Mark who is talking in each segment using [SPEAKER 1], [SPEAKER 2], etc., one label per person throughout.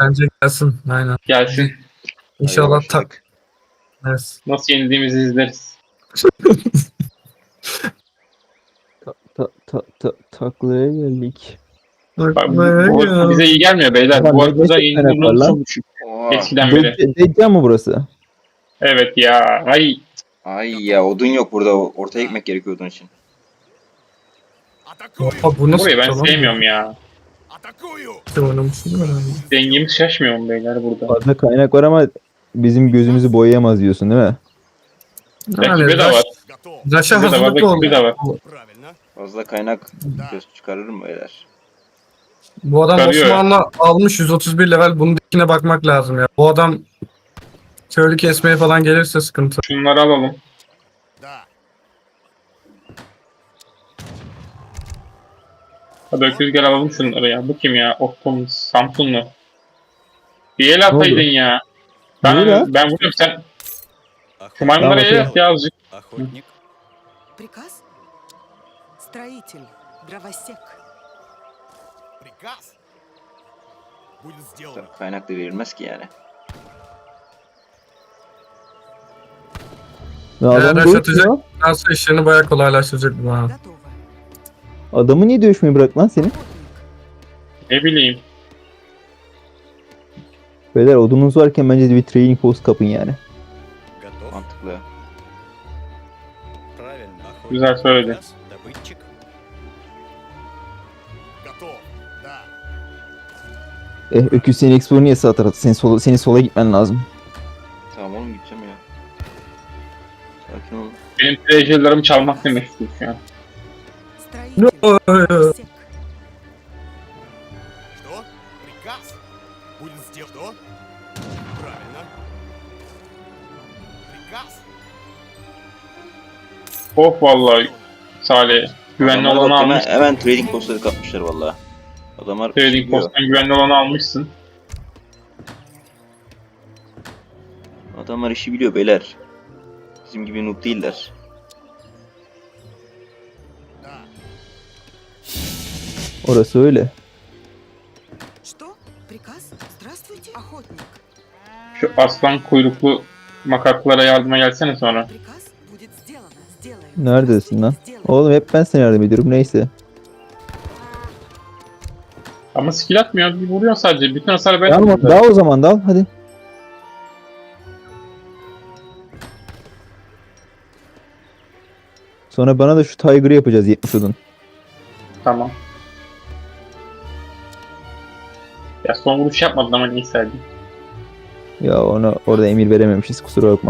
[SPEAKER 1] Bence gelsin. Aynen.
[SPEAKER 2] Gelsin.
[SPEAKER 1] İnşallah tak.
[SPEAKER 3] başladık.
[SPEAKER 1] Evet.
[SPEAKER 2] Nasıl yenildiğimizi izleriz.
[SPEAKER 4] Taklaya geldik.
[SPEAKER 2] Bak, bu hırsı bize iyi gelmiyor beyler.
[SPEAKER 4] Ulan
[SPEAKER 2] Bu
[SPEAKER 4] ne
[SPEAKER 2] hırsı
[SPEAKER 4] gerçek
[SPEAKER 2] yenilme
[SPEAKER 4] kaynak var
[SPEAKER 2] oranı
[SPEAKER 4] lan?
[SPEAKER 2] çok düşük.
[SPEAKER 3] Oha.
[SPEAKER 2] Eskiden beri.
[SPEAKER 4] Deccal mı burası?
[SPEAKER 2] Evet ya. Ay.
[SPEAKER 3] Ay ya odun yok burada. Ortaya ekmek gerekiyor odun için.
[SPEAKER 1] Oha, bu nasıl
[SPEAKER 2] Burayı ben
[SPEAKER 1] tamam mı?
[SPEAKER 2] sevmiyorum ya.
[SPEAKER 1] Sen oynamışsın değil mi?
[SPEAKER 2] Dengemiz şaşmıyor mu beyler burada?
[SPEAKER 4] Fazla kaynak var ama bizim gözümüzü boyayamaz diyorsun değil mi?
[SPEAKER 2] Rakibe de var.
[SPEAKER 1] Raş'a
[SPEAKER 2] Bize de var,
[SPEAKER 1] hazırlıklı
[SPEAKER 2] rakibe de var.
[SPEAKER 1] ol.
[SPEAKER 3] Fazla kaynak göz çıkarır mı beyler?
[SPEAKER 1] Bu adam
[SPEAKER 2] Çıkarıyor ya.
[SPEAKER 1] Osmanlı almış 131 level. Bunun dikine bakmak lazım ya. Bu adam köylü kesmeye falan gelirse sıkıntı.
[SPEAKER 2] Şunları alalım. Hadi öküz gel alalım şunları ya. Bu kim ya? Oktum Samsunlu. Bir el ataydın
[SPEAKER 4] oldu?
[SPEAKER 2] ya.
[SPEAKER 4] Ne ya?
[SPEAKER 2] Ben vuruyorum sen. Şu maymunlara el at ya azıcık.
[SPEAKER 5] Охотник.
[SPEAKER 6] Приказ? Строитель. Дровосек.
[SPEAKER 5] Приказ. Будет сделано.
[SPEAKER 3] Kaynak da verilmez ki yani.
[SPEAKER 4] Ya
[SPEAKER 1] Eğer
[SPEAKER 4] adam
[SPEAKER 1] Raş
[SPEAKER 4] dövüşmüyor.
[SPEAKER 1] atacak, nasıl işlerini bayağı kolaylaştıracak bu bana.
[SPEAKER 6] Готово.
[SPEAKER 4] Adamı niye dövüşmeyi bırak lan seni?
[SPEAKER 6] Охотник.
[SPEAKER 2] Ne bileyim.
[SPEAKER 4] Beyler odununuz varken bence de bir training post kapın yani.
[SPEAKER 5] Готов.
[SPEAKER 3] Mantıklı.
[SPEAKER 5] Правильно. Охотник.
[SPEAKER 2] Güzel söyledi.
[SPEAKER 5] Приказ. Добытчик. Готов. Да.
[SPEAKER 4] Öküz seni Explorer'ı niye sağ tarafa? Senin sola gitmen lazım.
[SPEAKER 3] Tamam oğlum gideceğim ya. Sakin ol.
[SPEAKER 2] Benim treasure'larımı çalmak demek istiyor şu an.
[SPEAKER 6] Строитель. Дровосек.
[SPEAKER 5] Что? Приказ. Будет сделано. Что? Правильно. Приказ.
[SPEAKER 2] Of vallahi Salih. Güvenli
[SPEAKER 3] Adamlar
[SPEAKER 2] olanı
[SPEAKER 3] bak
[SPEAKER 2] almışsın.
[SPEAKER 3] hemen trading postları kapmışlar valla. Adamlar
[SPEAKER 2] Trading
[SPEAKER 3] biliyor.
[SPEAKER 2] posttan güvenli olanı almışsın.
[SPEAKER 3] Adamlar işi biliyor beyler. Bizim gibi noob değiller.
[SPEAKER 5] Да.
[SPEAKER 4] Orası öyle.
[SPEAKER 6] Что? Приказ? Здравствуйте, охотник.
[SPEAKER 2] Şu aslan kuyruklu makaklara yardıma gelsene sonra.
[SPEAKER 6] Приказ будет сделано. Сделаем.
[SPEAKER 4] Neredesin lan?
[SPEAKER 6] Здравствуйте, сделаем.
[SPEAKER 4] Oğlum hep ben sana yardım ediyorum neyse.
[SPEAKER 2] Ama skill atmıyor. Bir vuruyor sadece. Bütün hasarı ben
[SPEAKER 4] Tamam
[SPEAKER 2] atıyorum.
[SPEAKER 4] dal o zaman dal hadi. Sonra bana da şu Tiger'ı yapacağız 70 odun.
[SPEAKER 2] Tamam. Ya son vuruş yapmadın ama neyse hadi.
[SPEAKER 4] Ya ona orada emir verememişiz kusura bakma.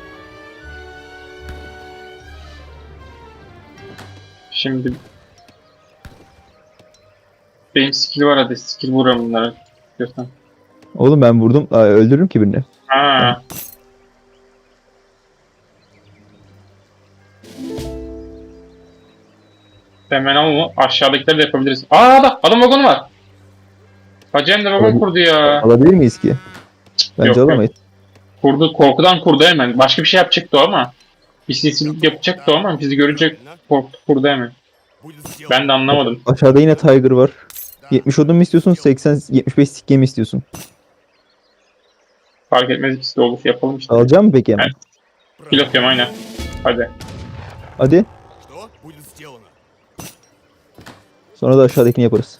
[SPEAKER 2] Şimdi benim skill var hadi skill vuruyorum bunları. Diyorsan.
[SPEAKER 4] Oğlum ben vurdum. Öldürürüm ki birini.
[SPEAKER 2] Ha. Hemen ama aşağıdakileri de yapabiliriz. Adam vagonu var. Hacı hem de vagon kurdu ya.
[SPEAKER 4] Alabilir miyiz ki? Bence
[SPEAKER 2] Yok, yok.
[SPEAKER 4] alamayız.
[SPEAKER 2] Kurdu, korkudan kurdu hemen. Başka bir şey yapacaktı o ama. Bir sinsilik yapacaktı o ama bizi görünce korktu kurdu hemen.
[SPEAKER 5] Будет сделано.
[SPEAKER 2] Ben de anlamadım.
[SPEAKER 4] Aşağıda yine Tiger var. 70 odun mu istiyorsun? 75 sikke mi istiyorsun?
[SPEAKER 2] Fark etmez ikisi de olur. Yapalım işte.
[SPEAKER 4] Alacağım mı peki hemen?
[SPEAKER 2] Evet. Pil atıyorum aynen. Hadi.
[SPEAKER 4] Hadi.
[SPEAKER 5] Что? Будет сделано.
[SPEAKER 4] Sonra da aşağıdakini yaparız.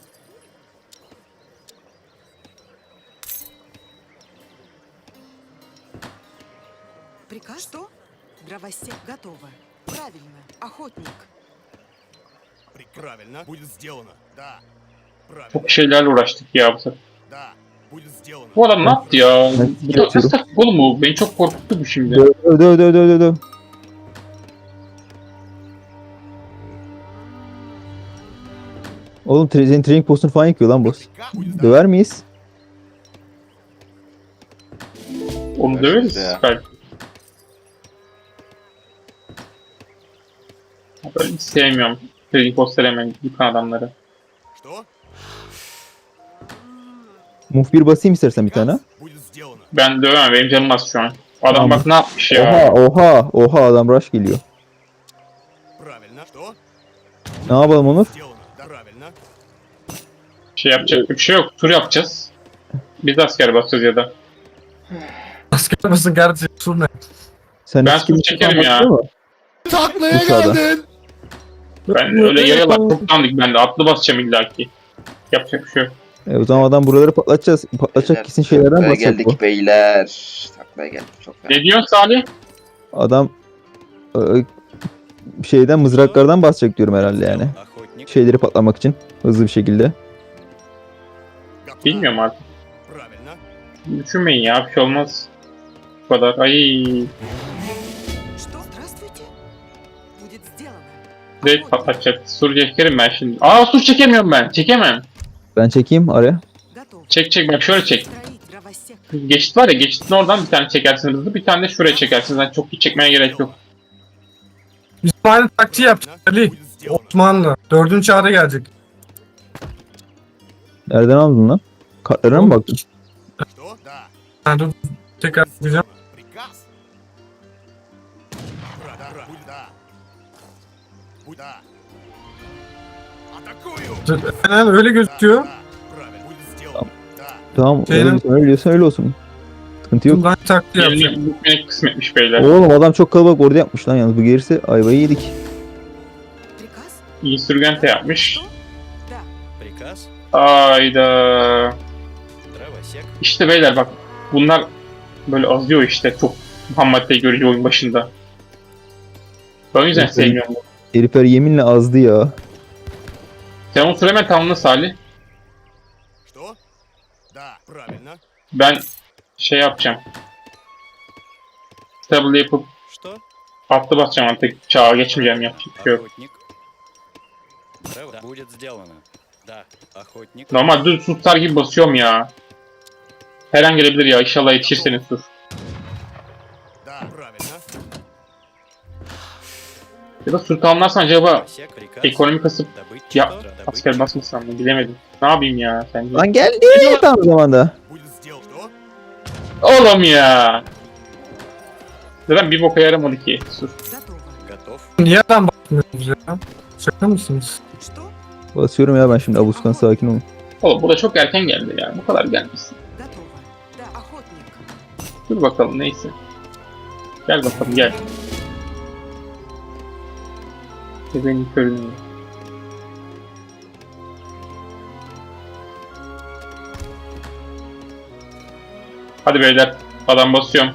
[SPEAKER 6] Приказ? Что? Дровосек. Готово. Правильно. Охотник.
[SPEAKER 5] Правильно. Будет сделано. Да. Правильно.
[SPEAKER 2] Çok şeylerle uğraştık ya bu sefer.
[SPEAKER 5] Да. Будет сделано.
[SPEAKER 2] Bu adam ne yaptı ya?
[SPEAKER 4] Ben skill
[SPEAKER 2] Bu
[SPEAKER 4] atıyorum.
[SPEAKER 2] nasıl taktik oğlum bu? Beni çok korkuttu bu şimdi.
[SPEAKER 4] Döv. Oğlum senin training postunu falan yıkıyor lan boss.
[SPEAKER 5] Приказ будет
[SPEAKER 4] Döver miyiz?
[SPEAKER 2] Onu döveriz
[SPEAKER 3] Ya.
[SPEAKER 2] belki. Böyle hiç sevmiyorum. Trading postları hemen yıkan adamları.
[SPEAKER 5] Что?
[SPEAKER 4] Move 1 basayım istersen bir tane.
[SPEAKER 5] Будет сделано.
[SPEAKER 2] Ben dövemem. Benim canım az şu an. Adam
[SPEAKER 4] Tamam.
[SPEAKER 2] bak ne yapmış ya.
[SPEAKER 4] Oha adam rush geliyor.
[SPEAKER 5] Правильно. Что?
[SPEAKER 4] Ne yapalım Onur?
[SPEAKER 5] Сделано. Да. Правильно.
[SPEAKER 2] Şey yapacak bir şey yok. Tur yapacağız. Biz asker basacağız ya da.
[SPEAKER 1] Asker mısın kardeşim? Sur ne?
[SPEAKER 4] Sen
[SPEAKER 2] Ben
[SPEAKER 4] hiç kimse
[SPEAKER 2] çekerim ya.
[SPEAKER 4] bakıyor mu?
[SPEAKER 5] Taklaya
[SPEAKER 4] Dışarıda.
[SPEAKER 5] geldin.
[SPEAKER 2] Ben öyle yayalar çok dandik ben de. Atlı basacağım illaki. Yapacak bir şey yok.
[SPEAKER 4] O zaman adam buraları patlatacağız. Patlatacak kesin şeylerden
[SPEAKER 3] Taklaya
[SPEAKER 4] bahsedecek bu.
[SPEAKER 3] geldik beyler. Taklaya geldik çok fena.
[SPEAKER 2] Ne diyorsun Salih?
[SPEAKER 4] Adam şeyden mızraklardan basacak diyorum herhalde yani. Şeyleri patlamak için hızlı bir şekilde.
[SPEAKER 5] Готов.
[SPEAKER 2] Bilmiyorum artık.
[SPEAKER 5] Правильно.
[SPEAKER 2] Düşünmeyin ya bir şey olmaz. Bu kadar. Ay.
[SPEAKER 6] Что? Здравствуйте. Будет сделано.
[SPEAKER 2] Direkt
[SPEAKER 6] Охотник.
[SPEAKER 2] patlatacak. Sur çekerim ben şimdi. Aa sur çekemiyorum ben. Çekemem.
[SPEAKER 4] Ben çekeyim araya.
[SPEAKER 6] Готов.
[SPEAKER 2] Çek bak şöyle çek.
[SPEAKER 6] Строить дровосек.
[SPEAKER 2] Geçit var ya geçitin oradan bir tane çekersiniz hızlı bir tane de şuraya çekersiniz. Yani çok iyi çekmeye gerek yok.
[SPEAKER 1] Biz aynı taktiği yapacağız Ali.
[SPEAKER 5] Будет сделано.
[SPEAKER 1] Osmanlı. 4. çağda gelecek.
[SPEAKER 4] Nereden aldın lan? Kartlarına mı baktın?
[SPEAKER 5] Что? Да.
[SPEAKER 1] Ben dur tekrar bakacağım.
[SPEAKER 5] Приказ. Да. Будет да. Будь да. Атакую.
[SPEAKER 1] Aynen öyle gözüküyor.
[SPEAKER 5] Да. Правильно. Будет сделано. Да.
[SPEAKER 4] Tamam
[SPEAKER 1] Şeyden-
[SPEAKER 4] öyle diyorsan öyle olsun. Sıkıntı yok.
[SPEAKER 1] Şimdi aynı taktiği yapacağım.
[SPEAKER 2] Eline bükmenek kısmetmiş beyler.
[SPEAKER 4] Oğlum adam çok kalabalık orada yapmış lan yalnız bu gerisi ayvayı yedik.
[SPEAKER 6] Приказ?
[SPEAKER 2] İyi sürgente yapmış.
[SPEAKER 6] Что? Да.
[SPEAKER 5] Приказ.
[SPEAKER 2] Ayda.
[SPEAKER 5] Дровосек.
[SPEAKER 2] İşte beyler bak bunlar böyle azıyor işte çok ham maddeyi görüyor oyun başında. Ben o yüzden
[SPEAKER 4] Evet,
[SPEAKER 2] sevmiyorum bunu.
[SPEAKER 4] Herifler yeminle azdı ya.
[SPEAKER 2] Sen o süremen tamamla Salih.
[SPEAKER 5] Что? Да. Правильно.
[SPEAKER 2] Ben şey yapacağım. Stable yapıp
[SPEAKER 5] Что?
[SPEAKER 2] atlı basacağım artık çağa geçmeyeceğim yapacak bir şey yok.
[SPEAKER 5] Охотник. Да. Будет сделано. Да. Охотник.
[SPEAKER 2] Normal düz sustar gibi basıyorum ya. Her an gelebilir ya inşallah yetişirseniz sus.
[SPEAKER 5] Да. Правильно.
[SPEAKER 2] Ya da sultanlarsan acaba
[SPEAKER 5] Дровосек. Приказ.
[SPEAKER 2] ekonomi kasıp
[SPEAKER 5] Добыть
[SPEAKER 2] ya
[SPEAKER 5] что? Добыть
[SPEAKER 2] asker basmasam mı bilemedim. Ne yapayım ya sence?
[SPEAKER 4] Lan geldi tam zamanda.
[SPEAKER 5] Будет сделано. Что?
[SPEAKER 2] Oğlum ya. Zaten bir boka yaramadı ki. Sus.
[SPEAKER 6] Готово.
[SPEAKER 5] Готов.
[SPEAKER 1] Niye adam bakmıyorsunuz ya? Şaka mısınız?
[SPEAKER 6] Что?
[SPEAKER 4] Basıyorum ya ben şimdi Abuskan sakin olun.
[SPEAKER 2] Oğlum bu da çok erken geldi ya. Bu kadar gelmesin.
[SPEAKER 6] Готово. Да, охотник.
[SPEAKER 2] Dur bakalım neyse. Gel bakalım gel. Bebeğin körünü. Hadi beyler. Adam basıyorum.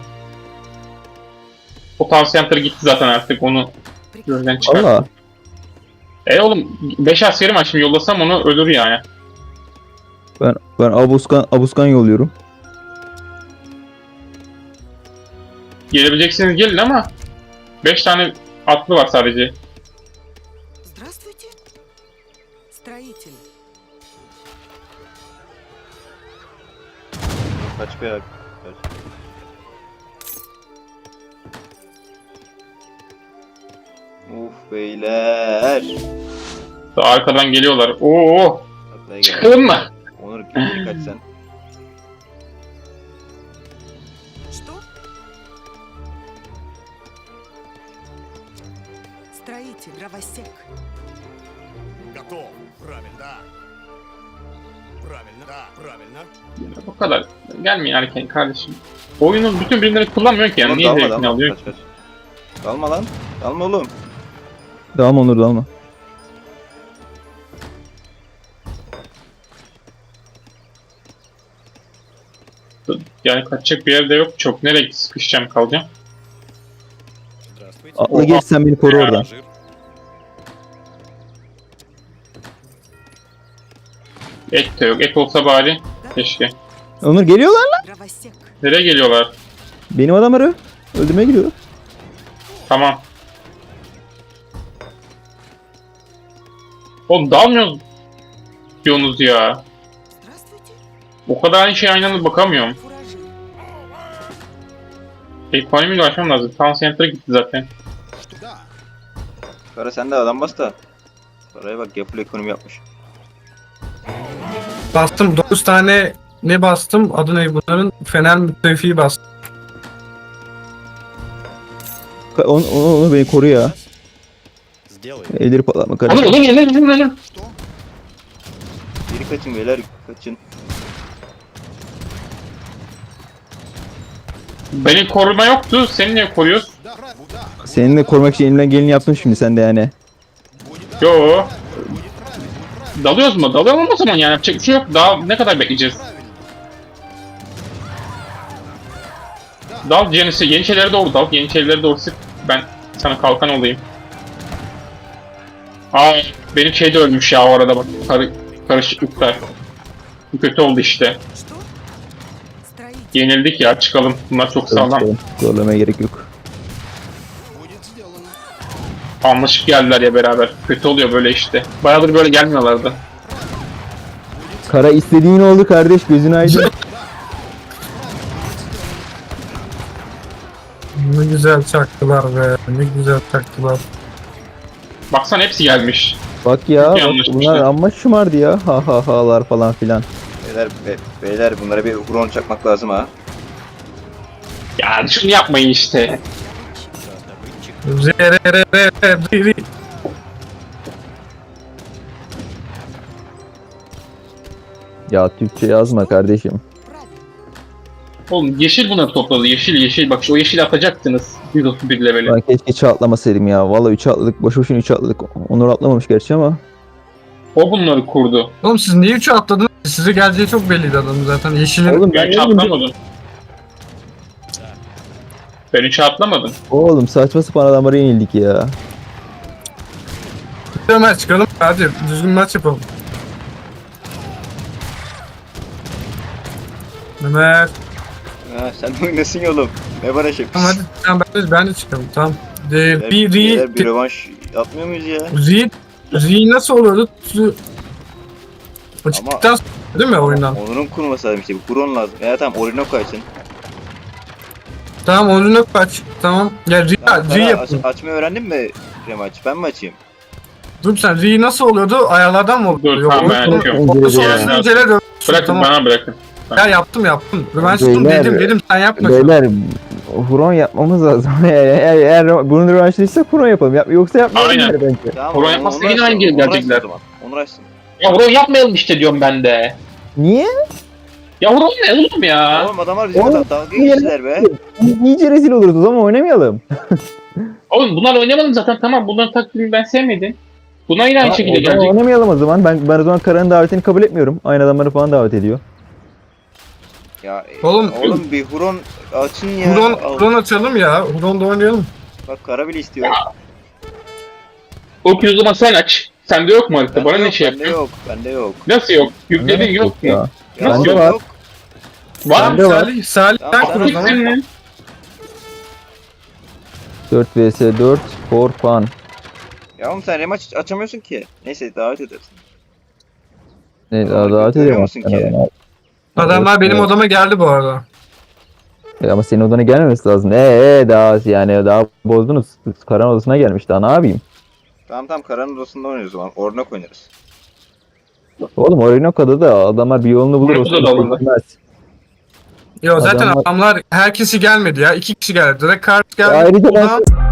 [SPEAKER 2] O Town Center gitti zaten artık onu
[SPEAKER 6] Приказ.
[SPEAKER 2] gözden çıkar.
[SPEAKER 4] Valla.
[SPEAKER 2] Oğlum 5 askerim var şimdi yollasam onu ölür yani.
[SPEAKER 4] Ben Abuskan yolluyorum.
[SPEAKER 2] Gelebileceksiniz gelin ama 5 tane atlı var sadece.
[SPEAKER 6] Здравствуйте. Строитель.
[SPEAKER 3] Kaç be ya. Kaç. Uf beyler.
[SPEAKER 2] Daha arkadan geliyorlar. Oo,
[SPEAKER 3] Taklaya geldik.
[SPEAKER 2] çıkalım mı?
[SPEAKER 3] Onur geri kaç sen.
[SPEAKER 6] Что? Строитель. Дровосек.
[SPEAKER 5] Готов. Правильно. Да. Правильно. Да. Правильно.
[SPEAKER 2] Bu kadar. Gelmeyin erken kardeşim. Oyunun bütün birimleri kullanmıyorsun ki yani.
[SPEAKER 3] Onur,
[SPEAKER 2] Niye
[SPEAKER 3] dalma,
[SPEAKER 2] zevkini
[SPEAKER 3] dalma.
[SPEAKER 2] alıyorsun?
[SPEAKER 3] Kaç kaç. Dalma lan. Dalma oğlum.
[SPEAKER 4] Dalma Onur dalma.
[SPEAKER 2] Yani kaçacak bir yerde yok çok. Nereye sıkışacağım kalacağım?
[SPEAKER 5] Здравствуйте.
[SPEAKER 4] Atla geç sen beni koru oradan.
[SPEAKER 5] Пассажир.
[SPEAKER 2] Et de yok. Et olsa bari. Keşke.
[SPEAKER 4] Onur geliyorlar lan.
[SPEAKER 6] Дровосек.
[SPEAKER 2] Nereye geliyorlar?
[SPEAKER 4] Benim adamları öldürmeye gidiyor.
[SPEAKER 2] Tamam. Oğlum dalmıyoruz diyorsunuz ya.
[SPEAKER 6] Здравствуйте.
[SPEAKER 2] O kadar aynı şey aynı anda bakamıyorum.
[SPEAKER 6] Фуражир.
[SPEAKER 2] Ekonomiyle açmam lazım. Town Center'a gitti zaten.
[SPEAKER 5] Что? Да.
[SPEAKER 3] Kara sen de adam bas da. Karaya bak ya full ekonomi yapmış.
[SPEAKER 1] Bastım 9 tane ne bastım? Adı ne bunların? Fener müttefiği bastım.
[SPEAKER 4] Onu beni koru ya.
[SPEAKER 5] Сделай.
[SPEAKER 4] Elleri patlatma
[SPEAKER 2] Oğlum
[SPEAKER 4] kardeşim.
[SPEAKER 2] oğlum oğlum.
[SPEAKER 5] Что?
[SPEAKER 3] Geri kaçın beyler kaçın.
[SPEAKER 2] Benim koruma yoktu. Seni niye koruyoruz?
[SPEAKER 5] Да, да.
[SPEAKER 4] Seninle korumak için elimden geleni yaptım şimdi sen de yani.
[SPEAKER 2] Yo.
[SPEAKER 5] Будет правильно, будет правильно.
[SPEAKER 2] Dalıyoruz mu? Dalıyorum o zaman yani. Yapacak bir şey yok. Daha ne kadar bekleyeceğiz? Dal Yeniçerilere doğru dal. Yeniçerilere doğru sık. Ben sana kalkan olayım. Aa, benim şey de ölmüş ya o arada bak. Karışıklıklar. Bu kötü oldu işte.
[SPEAKER 6] Что? Строитель.
[SPEAKER 2] Yenildik ya, çıkalım. Bunlar çok sağlam.
[SPEAKER 4] Zorlamaya gerek yok.
[SPEAKER 5] Будет сделано.
[SPEAKER 2] Anlaşıp geldiler ya beraber. Kötü oluyor böyle işte. Bayağıdır böyle gelmiyorlardı.
[SPEAKER 4] Kara istediğin oldu kardeş, gözün aydın.
[SPEAKER 1] Ne güzel çaktılar be. Ne güzel çaktılar.
[SPEAKER 2] Baksana hepsi gelmiş.
[SPEAKER 4] Bak ya, bak,
[SPEAKER 2] yanlış
[SPEAKER 4] bunlar
[SPEAKER 2] işte.
[SPEAKER 4] amma şımardı ya. Ha ha halar falan filan.
[SPEAKER 3] Beyler bunlara bir huron çakmak lazım ha.
[SPEAKER 2] Ya şunu yapmayın işte.
[SPEAKER 1] Zerererereri.
[SPEAKER 4] Ya Türkçe yazma kardeşim.
[SPEAKER 6] Правильно.
[SPEAKER 2] Oğlum yeşil bunları topladı. Yeşil yeşil. Bak şu o yeşil atacaktınız. 131 leveli.
[SPEAKER 4] Ben keşke 3'e atlamasaydım ya. Valla 3'e atladık. Boşu boşuna 3'e atladık. Onur atlamamış gerçi ama.
[SPEAKER 2] O bunları kurdu.
[SPEAKER 1] Oğlum siz niye 3'e atladınız? Size geleceği çok belliydi adamın zaten. Yeşilin.
[SPEAKER 4] Oğlum
[SPEAKER 2] Ben
[SPEAKER 4] ben
[SPEAKER 2] hiç
[SPEAKER 4] ne bileyim.
[SPEAKER 2] atlamadım. Ben hiç atlamadım.
[SPEAKER 4] Oğlum saçma sapan adamlara yenildik ya.
[SPEAKER 1] Ömer çıkalım. Hadi düzgün maç yapalım. Ömer.
[SPEAKER 3] Ha, sen de oynasın ya oğlum. Ne bana şey.
[SPEAKER 1] Tamam hadi tamam, ben de çıkalım tamam.
[SPEAKER 3] Beyler,
[SPEAKER 1] Bir
[SPEAKER 3] beyler, bir rövanş yapmıyor muyuz ya?
[SPEAKER 1] Ri nasıl oluyordu? O çıktıktan sonra değil mi oyundan?
[SPEAKER 3] Onur'un kurması lazım işte. Bir huron lazım. Ya tamam Orinoco açın.
[SPEAKER 1] Tamam oyunu kaç. Tamam. Ya
[SPEAKER 3] Tamam,
[SPEAKER 1] Ri yapın.
[SPEAKER 3] açmayı öğrendin mi Remaç? Ben mi açayım?
[SPEAKER 1] Dur sen Ri nasıl oluyordu? Ayarlardan mı oluyordu?
[SPEAKER 2] Dur, tamam, ben
[SPEAKER 1] oyun-
[SPEAKER 2] yapıyorum.
[SPEAKER 1] oyun
[SPEAKER 4] Yani.
[SPEAKER 1] sonrasında incele dön.
[SPEAKER 2] Bırakın
[SPEAKER 1] Tamam.
[SPEAKER 2] bana bırakın.
[SPEAKER 1] Ya yaptım. Rövanştım
[SPEAKER 4] Beyler,
[SPEAKER 1] dedim sen yapma.
[SPEAKER 4] Beyler huron yapmamız lazım. eğer bunun rövanşlıysa huron yapalım. Yoksa yapmayalım
[SPEAKER 2] Aynen.
[SPEAKER 4] yani bence.
[SPEAKER 3] Tamam.
[SPEAKER 2] Huron yapmazsa
[SPEAKER 3] Onur
[SPEAKER 2] yine
[SPEAKER 3] açsın,
[SPEAKER 2] aynı geri
[SPEAKER 3] Onur açsın
[SPEAKER 2] gelecekler.
[SPEAKER 3] o zaman. Onur açsın.
[SPEAKER 2] Ya Huron yapmayalım işte diyorum ben de.
[SPEAKER 4] Niye?
[SPEAKER 2] Ya Huron ne oğlum ya?
[SPEAKER 3] Oğlum adamlar bize
[SPEAKER 4] Oğlum,
[SPEAKER 3] dalga geçtiler be.
[SPEAKER 4] İyice rezil oluruz o zaman oynamayalım.
[SPEAKER 2] Oğlum bunlar oynamadım zaten, tamam, bunların taktiğini ben sevmedim. Bunlar yine aynı
[SPEAKER 4] Ha,
[SPEAKER 2] şekilde
[SPEAKER 4] o zaman
[SPEAKER 2] gelecek.
[SPEAKER 4] oynamayalım o zaman. Ben o zaman Kara'nın davetini kabul etmiyorum. Aynı adamları falan davet ediyor.
[SPEAKER 3] Ya
[SPEAKER 1] Oğlum-
[SPEAKER 3] oğlum bir huron açın ya.
[SPEAKER 1] Huron açalım ya. Huron'da oynayalım.
[SPEAKER 3] Bak Kara bile istiyor.
[SPEAKER 2] O o zaman sen aç. Sende yok mu harita?
[SPEAKER 3] Bende
[SPEAKER 2] Bana ne
[SPEAKER 3] yok,
[SPEAKER 2] şey
[SPEAKER 3] bende
[SPEAKER 2] yapıyorsun?
[SPEAKER 3] yok. Bende yok.
[SPEAKER 2] Nasıl yok? Yükledin yok mu?
[SPEAKER 4] Ya.
[SPEAKER 2] Nasıl
[SPEAKER 4] Bende
[SPEAKER 2] yok?
[SPEAKER 4] var.
[SPEAKER 2] Var mı?
[SPEAKER 4] Bende var.
[SPEAKER 1] Salih
[SPEAKER 3] Tamam,
[SPEAKER 1] sen kur o zaman.
[SPEAKER 2] Gittin mi?
[SPEAKER 4] 4 vs 4 for fun.
[SPEAKER 3] Ya oğlum sen Remaç açamıyorsun ki. Neyse davet edersin.
[SPEAKER 4] Ne
[SPEAKER 3] Tamam,
[SPEAKER 4] davet
[SPEAKER 3] görüyor
[SPEAKER 4] ediyorum.
[SPEAKER 3] musun ki?
[SPEAKER 1] Adamlar benim
[SPEAKER 4] Evet.
[SPEAKER 1] odama geldi bu arada.
[SPEAKER 4] Ama senin odana gelmemesi lazım. Daha yani daha bozdunuz. Karan odasına gelmiş daha ne yapayım?
[SPEAKER 3] Tamam Kara'nın odasında oynuyoruz o zaman. Orinoco oynarız.
[SPEAKER 4] Oğlum Orinoco'da da adamlar bir yolunu bulur.
[SPEAKER 2] Orinoco'da da alındı.
[SPEAKER 4] Bilmez.
[SPEAKER 1] Yo zaten
[SPEAKER 4] Adamlar-
[SPEAKER 1] adamlar herkesi gelmedi ya. 2 kişi geldi. Direkt kart geldi.
[SPEAKER 4] Ayrıca ben
[SPEAKER 1] Ulan-